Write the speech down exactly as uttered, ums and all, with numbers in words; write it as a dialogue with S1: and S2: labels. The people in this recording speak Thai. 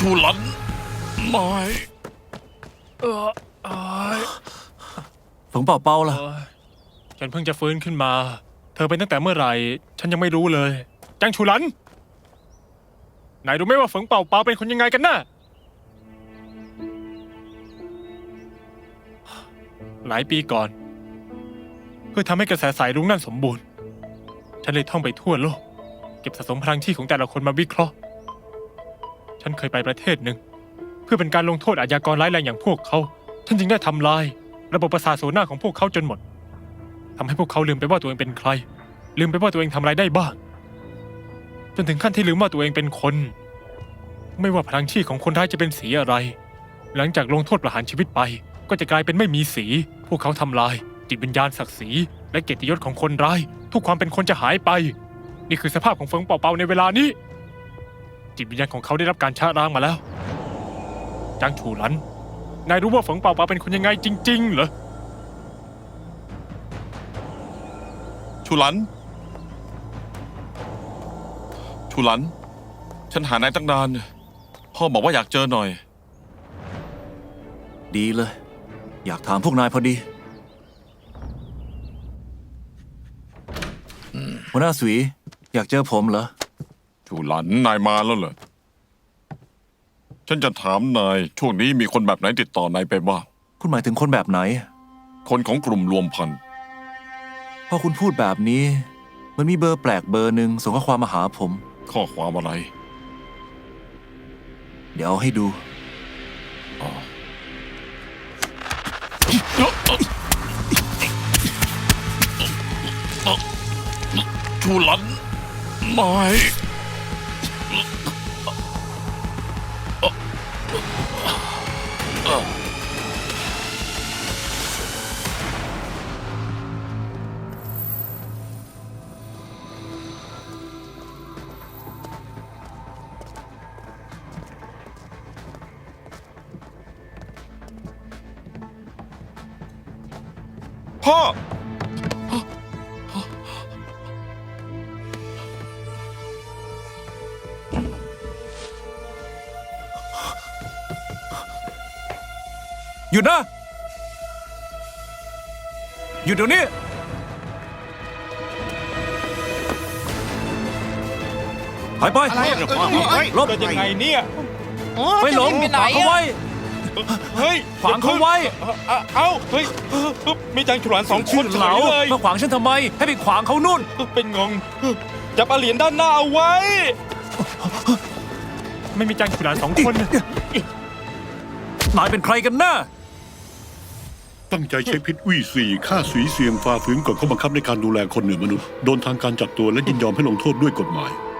S1: ชูหลันไม่
S2: เออเอ้ย
S3: ฝงเป่าเปาล่ะ
S2: เอ้ยฉันเพิ่งจะฟื้นขึ้นมา เธอเป็นตั้งแต่เมื่อไหร่ ฉันยังไม่รู้เลยจังชูหลันนายรู้ไหมว่าฝงเป่าเปาเป็นคนยังไงกันน่ะหลายปีก่อน เพื่อทำให้กระแสสายรุ้งนั่นสมบูรณ์ ฉันเลยท่องไปทั่วโลก เก็บสะสมพลังที่ของแต่ละคนมาวิเคราะห์ ฉันเคยไปประเทศหนึ่ง เพื่อเป็นการลงโทษอาชญากรร้ายแรงอย่างพวกเขาฉันจึงได้ทำลาย ระบบประสาทโซน่าของพวกเขาจนหมดทำให้พวกเขาลืมไปว่าตัวเองเป็นใคร ลืมไปว่าตัวเองทำอะไรได้บ้าง จนถึงขั้นที่ลืมว่าตัวเองเป็นคน ไม่ว่าพลังชีพของคนร้ายจะเป็นสีอะไร หลังจากลงโทษประหารชีวิตไป ก็จะกลายเป็นไม่มีสี พวกเขาทำลาย จิตวิญญาณศักดิ์ศรีและเกียรติยศของคนร้าย ทุกความเป็นคนจะหายไป นี่คือสภาพของเฟิงเป่าเปาในเวลานี้ จิตวิญญาณของเขาได้รับการชะล้างมาแล้วจางฉูหลัน นายรู้ว่าเฟิงเป่าเปาเป็นคนยังไงจริงๆเหรอ
S1: ชูหลันชูหลันฉันหานายตั้งนานพ่อบอกว่าอยากเจอหน่อย
S3: ดีเลย อยากถามพวกนายพอดีหัวหน้าสวีอยากเจอผมเหรอ
S1: ชูหลันนายมาแล้วเหรอฉันจะถามนายช่วงนี้มีคนแบบไหนติดต่อนายไปบ้าง
S3: คุณหมายถึงคนแบบไหน
S1: คนของกลุ่มรวมพันธุ์
S3: พอคุณพูดแบบนี้มันมีเบอร์แปลกเบอร์หนึ่งส่งข้อความมาหาผม
S1: ข้อความอะไร
S3: เดี๋ยวเอาให้ดู
S1: ชูหลันไม่พ่อ
S3: หยุดนะหยุดเดี๋ยวนี้หายไปลบ
S2: ยังไงเนี่ย
S3: ไม่หลงขวางเขาไว้
S2: เฮ้ย
S3: ขวางเขาไว้
S2: เอ้าเฮ้ยมีจางฉลานสองคน
S3: เหลามาขวางฉันทำไมให้ไปขวางเขานู่น
S2: เป็นงงจับเหรียญด้านหน้าเอาไว้ไม่มีจางฉลานสองคน
S3: นายเป็นใครกันน่ะ
S4: ตั้งใจใช้พิษวี่สี่ฆ่าสุยเซียงฝ่าฝืนกฎข้อบังคับในการดูแลคนเหนือมนุษย์โดนทางการจับตัวและยินยอมให้ลงโทษด้วยกฎหมาย